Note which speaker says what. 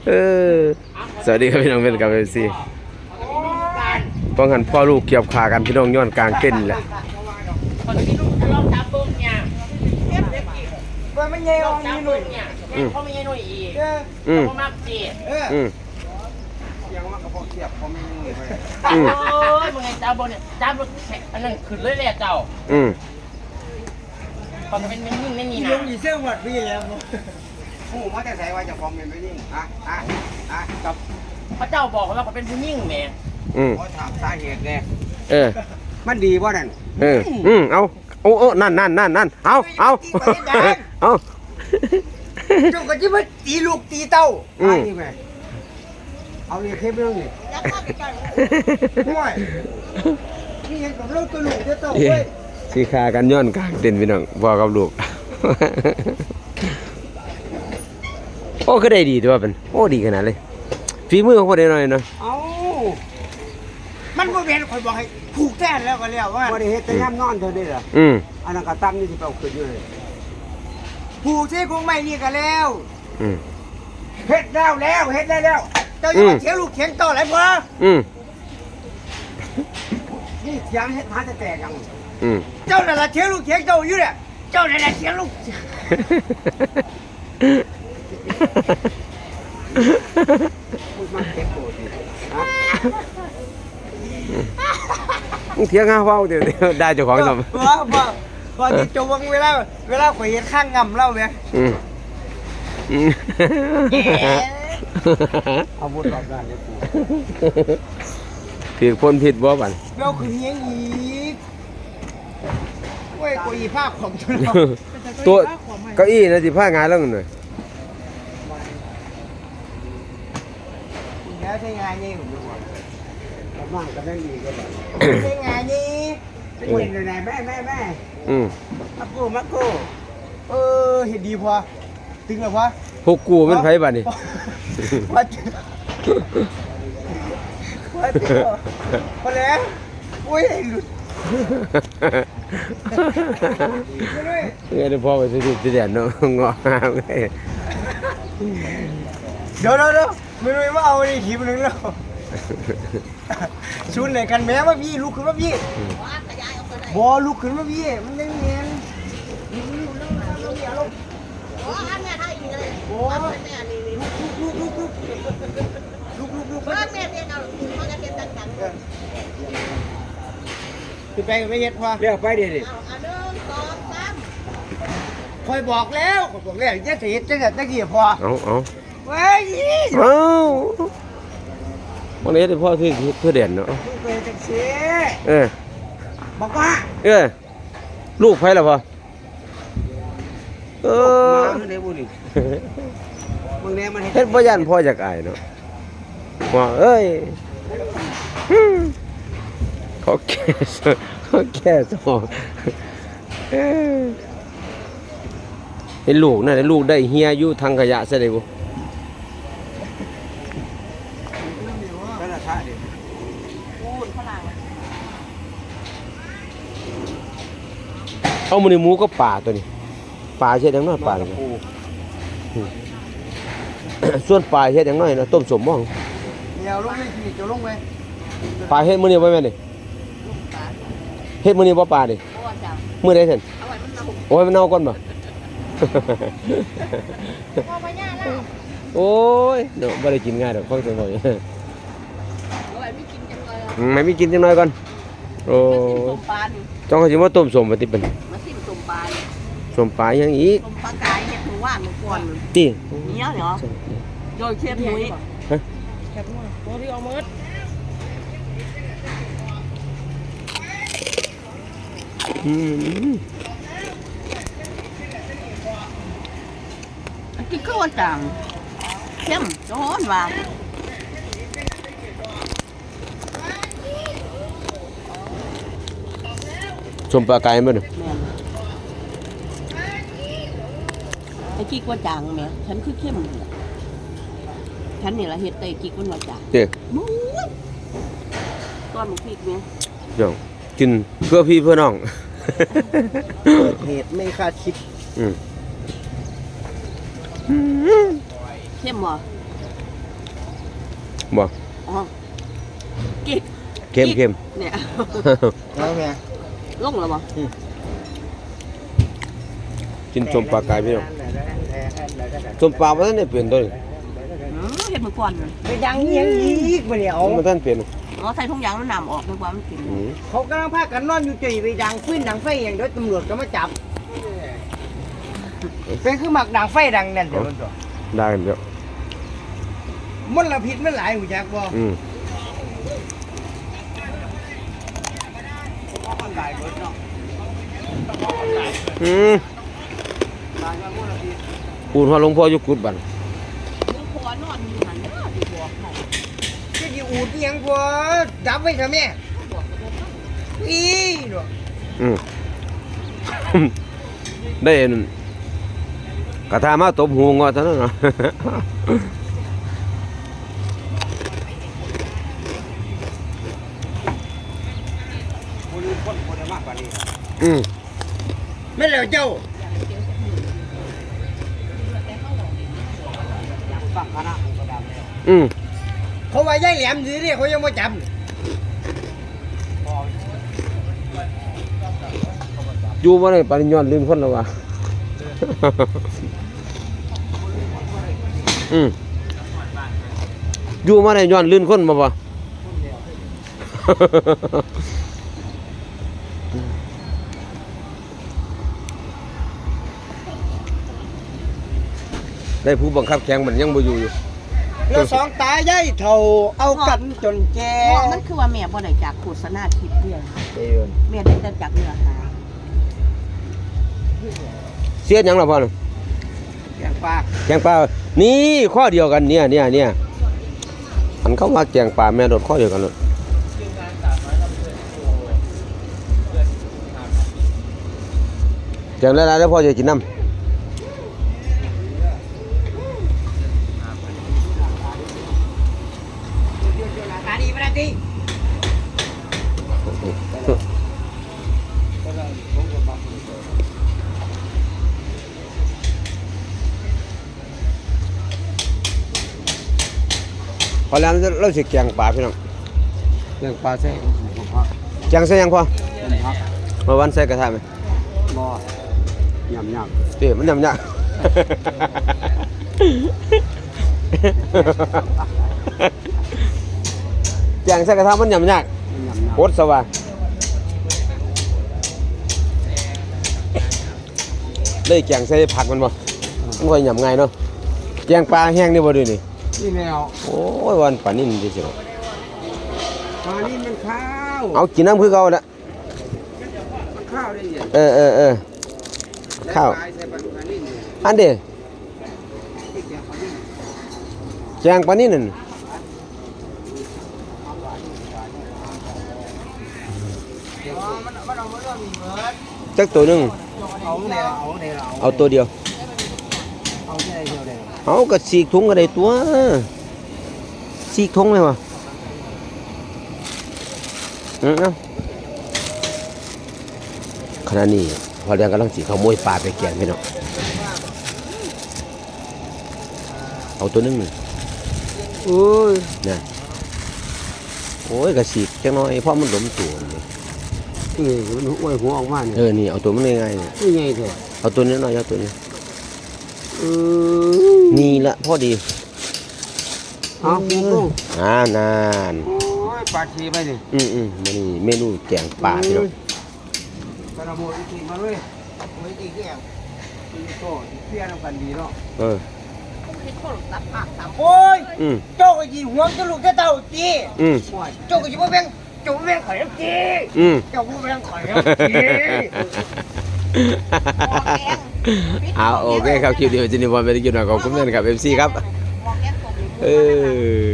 Speaker 1: เออสวัสดีครับพี่น้องเป็นกับเอฟซีป้องกันพ่อลูกเกี่ยวขากันพี่น้องย้อนกลางเต้นแหละ
Speaker 2: คนที่ลูกลองจับเบิ้งเนี่ยว่ามันเยี่ยมจับเบิ้งเนี่ยเขาไม่เยี่ยมอีกเขามากจียังว่ากระเพาะเสียบเขาไม่เยี่ยมโอ้ยมึงไงจับเบิ้งเนี่ยจับเบิ้งอันนั้นขึ้นเลยแหละเจ้าตอนเป็นยิ่งไม่มีนะ
Speaker 3: ลงอีเสื้อหวัดพี่แล้ว
Speaker 2: ผู้ว่าจะใส่ว่าจะฟ้องเป็นผู้ยิ่งกับพระเจ้าบอกว่าเขาเป็นผู้ยิ่งแม่เขาถามสาเหตุเนี่ยมันดีว่านั่น
Speaker 1: เอานั่นเอา
Speaker 3: เจ้าก็จะมาตีลูกตีเต้านี่แม่เอาเนี่ยเข้มเรื่องนี่ห่วยนี่ยังกับลูกตัวลูกจะเต้าเว้ย
Speaker 1: สีขากันย้อนกลางเต้นพี่น้องพ่อกับลูกโอ้ก็ได้ดีตัวเป็นโอ้ดีขนาดเลยฝีมือของคนได้หน่อยเนาะ
Speaker 3: เอามันบ่เป็นคนบอกให้ผูกแท้แล้วก็แล้วว่าบ่ได้เฮ็ดแต่ย่ำนอนเท่านี้ล่ะอันนั้นก็ตั้มนี่สิเป่าขึ้นอยู่เลยผูกที่คงไม่นี่ก็แล้วเฮ็ดแล้วเฮ็ดได้แล้วเจ้าอย่ามาเถียงลูกเถียงต่อหลายพอนี่เถียงเฮ็ดหาจะแตกยังเจ้านั่นล่ะเถียงลูกเถียงเจ้าอยู่เนี่ยเจ้านั่นล่ะเถียงลูกพูดมาเก็บโกรธดิ
Speaker 1: มึงเถียงหาเว้าเดี๋ยวได้เจ้าของสม
Speaker 3: พอที่จบเวลาข่อยเฮ็ดข้างงำเล่าแม่เอาบุญรอบด้านเด้อปู่
Speaker 1: ถือพ้นผิดบ่บัด
Speaker 3: เว้าคือเฮียงอีกโอ้ยกูอีภาพของ
Speaker 1: ตัวเก้าอี้นะสิพางานแล้วหน่อย
Speaker 3: แล้วใช้งานนี่ผมดูว่าประมาณก็ได้ดีก็ได้ใช้งานนี่เป็นเห็นไหนแม่มาโก้เห็นดีพอตึงแล้วพอ
Speaker 1: พวกกูมันไผบัดนี่
Speaker 3: พอแล้วโอ้ยหลุด
Speaker 1: เงี้ยพ่อไปสิเดี๋ยวน้องงอ
Speaker 3: เดี๋ยวไม่รู้ว่าเอาในขีมนึงแล้วชุนไหนกันแม้ว่าพี่ลุกขึ้นว่าพี่บอลุกขึ้นว่าพี่มันยังเงียนคือไปไม่เห็ดพอ
Speaker 1: เรียกไปดิ
Speaker 3: คอยบอกแล้วจะเสียจะเกี่ยพอ
Speaker 1: เอา
Speaker 3: เว้ย
Speaker 1: วันนี้พ่อที่เพื่อเด่นเนาะ
Speaker 3: เป็นจังสีบอกว่า
Speaker 1: ลูกไผล่ะพ่อ
Speaker 3: มาได้บุญมึงเนี่ยมัน
Speaker 1: เฮ็ดบ่ยันพ่อจากอายเนาะว่าเอ้ยเขาแก่สองเห็นลูกน่ะลูกได้เฮียอยู่ทางขยะซะได้บ่เอามื้อนี้หมูก็ป่าตัวนี้ป่าเฮ็ดจังน้อยป่าส่วนป่าเฮ็ดจังน้อยนะต้มสมบ่
Speaker 3: เดี๋ยวลงเลยสิจะลงไป
Speaker 1: ป่าเฮ็ดมื้อนี้บ่แม่นนี่เฮ็ดมื้อนี้บ่ป่าดิมื้อใดซั่นโอ้ยมันเน่าก่อนบ่โอ้ยเนาะบ่ได้กินง่ายดอกฟังเสียงบ่ไม่มีกินจังน้อยก่อนโอ้ต้องเขาสิมาต้มสมบ่ติเป็น
Speaker 4: มาซิมต้มปลา
Speaker 1: สมปลายังอีก
Speaker 4: ต้มปลากายเนี่ยหมูว่านหมูกวน
Speaker 1: ติ
Speaker 4: เนี้ยเหรอโดยเชฟนุ้ย
Speaker 2: แคบมั่วโตที่เอามืด
Speaker 4: กินข้าวจังเข้มร้อนว่ะ
Speaker 1: สมปลาไก่มั้ย
Speaker 4: ไอ้กิ๊กว่าจางแม่ฉันคือเข้มฉันนี่ละเฮ็ดไอ้กิ๊กว่าจาง
Speaker 1: เด้
Speaker 4: มู้ยตอนหมูพริกแม่
Speaker 1: ย่องกินเพื่อพี่เพื่อน้อง
Speaker 3: เหตุไม่คาดคิด
Speaker 4: เข้มบ่
Speaker 1: บ่
Speaker 4: อ๋อกิ๊ก
Speaker 1: เค็ม
Speaker 4: เนี่ย
Speaker 3: แล้วแม่
Speaker 4: ลงแล้วบ่
Speaker 1: กินส้มปลากายพี่น้องส้มปลาบ่ทันได้เปลี่ยนตัวนี้
Speaker 4: เห็ดมือก่อนเลย
Speaker 3: ไปดังยังอีกบ่เนี่ยเอา
Speaker 1: มันทันเปลี่ยน
Speaker 4: อ๋อใส่ถุงยางแล้วน้ำออกนึกว่ามันกิน
Speaker 1: อืม
Speaker 3: เขากำลังพากันนอนอยู่จุยไปดังฟื้นดังไฟอย่างเดียวตำรวจก็มาจับเป็นคือหมักดังไฟดังนั่นเดี๋ยวมันตัว
Speaker 1: ได้กันเดี๋ยว
Speaker 3: มลพิษมันหลายหูจักบ่
Speaker 1: อืมปูนหัวหลวงพ่ออยู่กุดบัน
Speaker 4: ลูกพ่อนอนอยู่หันเด้อที่บอกให้
Speaker 3: จะอยู่อูดอิหยังบ่ดับไว้เถอะแม่อีเนาะ
Speaker 1: อืม ได้เห็นกระทามาตบหูงอเท่านั้นเนาะ
Speaker 3: บ่รู้คนบ่ได้มากกว่านี้
Speaker 1: อืม
Speaker 3: แม่นแล้วเจ้าฟังคณะก็ดับแล้ว
Speaker 1: อืม
Speaker 3: เขาว่ายายแหลมอยู่นี่เขายังบ่จับ
Speaker 1: อยู่มาได้ปริญญาลืมคนแล้ววะ อืมอยู่มาได้ย้อนลื่นคนมาปะ ได้ผู้บังคับแข่งมันยังบ่อยู่
Speaker 3: แล้วสองตายายเฒ่าเอากันจนแก่
Speaker 4: เพราะมันคือว่าแม่บ่ได้จากโฆษณาคลิปเดียว
Speaker 3: เอ้ย
Speaker 4: แม่ได้แต่จากเนื้อหา
Speaker 1: เสียหยังล่ะพ่อน่ะ
Speaker 3: แกงปลา
Speaker 1: แกงปลานี่ข้อเดียวกันเนี่ยอันเข้ามาแกงปลาแม่โดดข้อเดียวกันเลยแกงแล้วแล้วพ่อจะกินน้ำ
Speaker 3: ตาดีบ่ได้ติ
Speaker 1: พอแล้วเราสิแกงปลาพี่น้อง
Speaker 3: แกงปลาใส่
Speaker 1: แกงใส่หยังพ่อมาวันใส่กระทะไหม
Speaker 3: บ่ยำ
Speaker 1: เตี๋ยมันยำยาก แกงใส่กระทะมันยำยากโคตรสว่างเลยแกงใส่ผักมันบ่มันค่อยยำง่ายเนาะแกงปลาแห้งนี่บ่ด้วยนี่
Speaker 3: นี่แนว
Speaker 1: โอ้ยวันปลานิ่มจริง
Speaker 3: ปลานี่มันข้าว
Speaker 1: ๆเอากินน้ำคือเก่าละ
Speaker 3: มันข้าวได้ยัง
Speaker 1: เออข้าว
Speaker 3: ใส่ปลานี่
Speaker 1: อันเดีย
Speaker 3: ที่แกงปลานี่
Speaker 1: แกงปลานิ่มนั่น
Speaker 3: มันเอามาเรื่องมีเบิด
Speaker 1: จักตัวหนึง
Speaker 3: เอาเนี่ย
Speaker 1: เอาตัวเดียว
Speaker 3: เอาที่ไหนเดียวเลย
Speaker 1: เอากระสีกถุงก็ได้ตัวสีกถุงเลยวะเอาขณะนี้พอเรียนกำลังสีขโมยปลาไปแกงพี่น้องเอาตัวหนึงนี่
Speaker 3: โอ้ย
Speaker 1: นะโอ้ยกระสีกจังน้อยเพราะมันหลมตัวนี่
Speaker 3: มันอ้วยหัวออกมาเนี่ย
Speaker 1: นี่เอาตัวมันง่ายๆนี่
Speaker 3: นี่ไงเถอะ
Speaker 1: เอาตัวนี้หน่อยเอาตัวนี้นี่ละพอดี
Speaker 3: เอาปูกุ้ง
Speaker 1: นาน
Speaker 3: โอ้ยปลาชีไปนี่
Speaker 1: มันนี่เมนูแกงปลาพี่น้อง
Speaker 3: กระโดดอีกทีมาเลยไม่ตีแก้วตีโต้เพี้ยนกันดีเนาะ
Speaker 4: คิดคนรับปากตาม
Speaker 3: โอ้ย
Speaker 1: อืม
Speaker 3: โจ้ก็ยีห่วงจะลูกจะเต่าจี
Speaker 1: อืม
Speaker 3: โจ้ก็ยีบ่แบ่งโจ้บ่แบ่งข่อยน้ำจี
Speaker 1: อืม
Speaker 3: โจ้บ่แบ่งข่อยน้ำจี
Speaker 1: เอาโอเคครับคลิปนี้วันนี้บอลไปที่กินหน่อยขอบคุณมากครับ MC ครับ
Speaker 4: บอกแก้ตัว
Speaker 1: เออ